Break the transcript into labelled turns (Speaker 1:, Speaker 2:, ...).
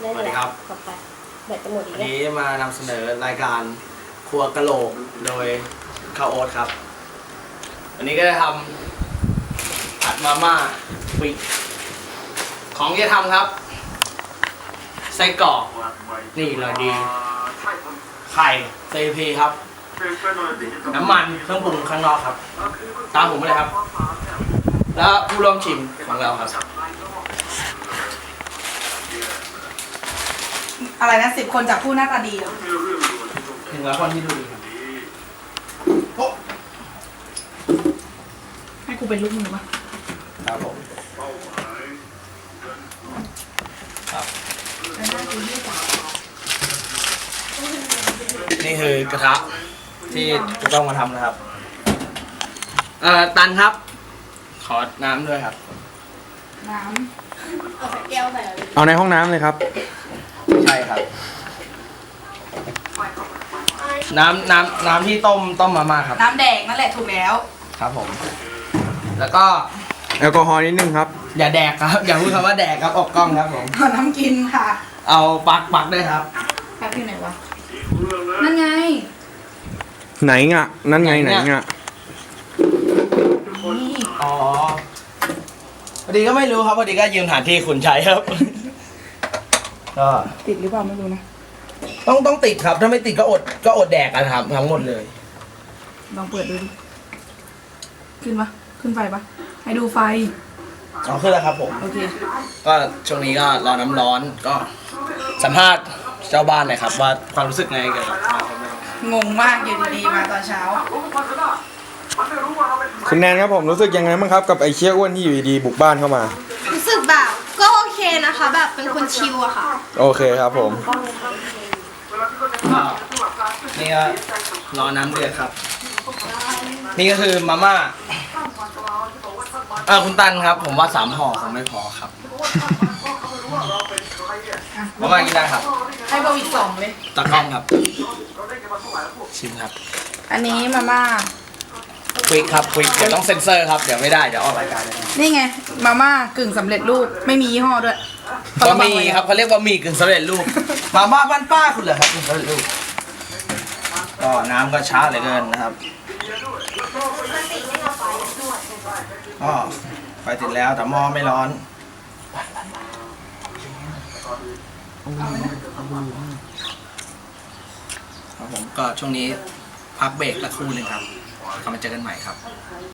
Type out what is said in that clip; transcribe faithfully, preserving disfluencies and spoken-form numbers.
Speaker 1: สวัสดีครับกลับไปแบตจะหมดอีก
Speaker 2: วัน
Speaker 1: แล้ว
Speaker 2: นี้มานำเสนอรายการครัวกะโหลกโดยข้าวโอ๊ตครับวันนี้ก็จะทำผัดมาม่าปิกของที่จะทำครับไส้กรอกนี่เลยดีไข่ซีพีครับน้ำมันเครื่องปรุงข้างนอกครับตามผมมาเลยครับแล้วผู้ร่วมชิมของเราครับ
Speaker 3: อะไรนะสิบคนจากผู้หน้าตาดีเหรอ
Speaker 2: ถึงแล้วคนที่ดูดีครับโอ้
Speaker 3: ให้กูเป็นลูกมือปะ
Speaker 2: ครับผมครับนี่คือกระทะที่จะต้องมาทำนะครับเอ่อตันครับ ขอน้ำด้วยครับ
Speaker 3: น้
Speaker 1: เอาแก้วใส่
Speaker 4: เอาในห้องน้ำเลยครับ
Speaker 2: ใช่ครับ น้ำน้ำน้ำที่ต้มต้มมาม่าครับ
Speaker 3: ำน้ำแดงนั่นแหละถูกแล้ว
Speaker 2: ครับผม แล้วก็
Speaker 4: แอลกอฮอล์นิดนึงครับ
Speaker 2: อย่าแดกครับ อย่าพูดคำว่าแดกครับออกกล้องครับผม
Speaker 3: ขอน้ำกินค่ะ
Speaker 2: เอาปักปักด้วยครับ
Speaker 3: แป๊บที่ไหนวะ นั่นไง
Speaker 4: ไหนงะนั่นไงไหนงะ
Speaker 3: นี่
Speaker 2: อ๋อพอดีก็ไม่รู้ครับพอดีก็ยืมสถานที่คุณใช้ครับ ก็
Speaker 3: ติดหรือเปล่าไม่รู้นะ
Speaker 2: ต้องต้องติดครับ ถ้าไม่ติดก็อดก็อดแดกกันครับทั้งหมดเลย
Speaker 3: ลองเปิดดูดิ ขึ้นปะขึ้นไฟปะให้ดูไฟ
Speaker 2: อ๋อขึ้นแล้วครับผม
Speaker 3: โอเค
Speaker 2: ก็ช่วงนี้ก็รอน้ำร้อนก็สัมภาษณ์เจ้าบ้านหน่อยครับ ว่าความรู้สึกไงเกี่ยวกับ
Speaker 3: งงมากอยู่ดีๆมาตอนเช้า
Speaker 4: คุณแนนครับผมรู้สึกยังไงบ้างครับกับไอ้เชี่ยอ้วนที่อยู่ดีๆบุกบ้านเข้ามา
Speaker 1: รู้สึกแบบก็โอเคนะคะ แบบเป็นคนชิลอะค่ะ
Speaker 4: โอเคครับผม
Speaker 2: ก็นี่ก็รอน้ำเดือดครับ นี่ก็คือมาม่าเออคุณตันครับ ผมว่าสามห่อคงไม่พอครับมาม่ากินได้ครับ
Speaker 3: ให้เบอร์อีกสองเลย
Speaker 2: ตะกล้องครับ ชิมครับ
Speaker 3: อันนี้มาม่า
Speaker 2: ควิกครับควิกเดี๋ยวต้องเซ็นเซอร์ครับ เดี๋ยวไม่ได้ เดี๋ยวออกรายการเลย
Speaker 3: นี่ไง มาม่ากึ่งสำเร็จรูป ไม่มียี่ห้อด้วย
Speaker 2: บะหมี่ครับเขาเรียกบะหมี่กึ่งสำเร็จรูปมาม่าบ้านป้าคุณเหรอครับกึ่งสำเร็จรูปก็น้ำก็ช้าเหลือเกินนะครับก็ไฟติดแล้วแต่หม้อไม่ร้อนครับผมก็ช่วงนี้พักเบรกละครู่หนึ่งครับกลับมาเจอกันใหม่ครับ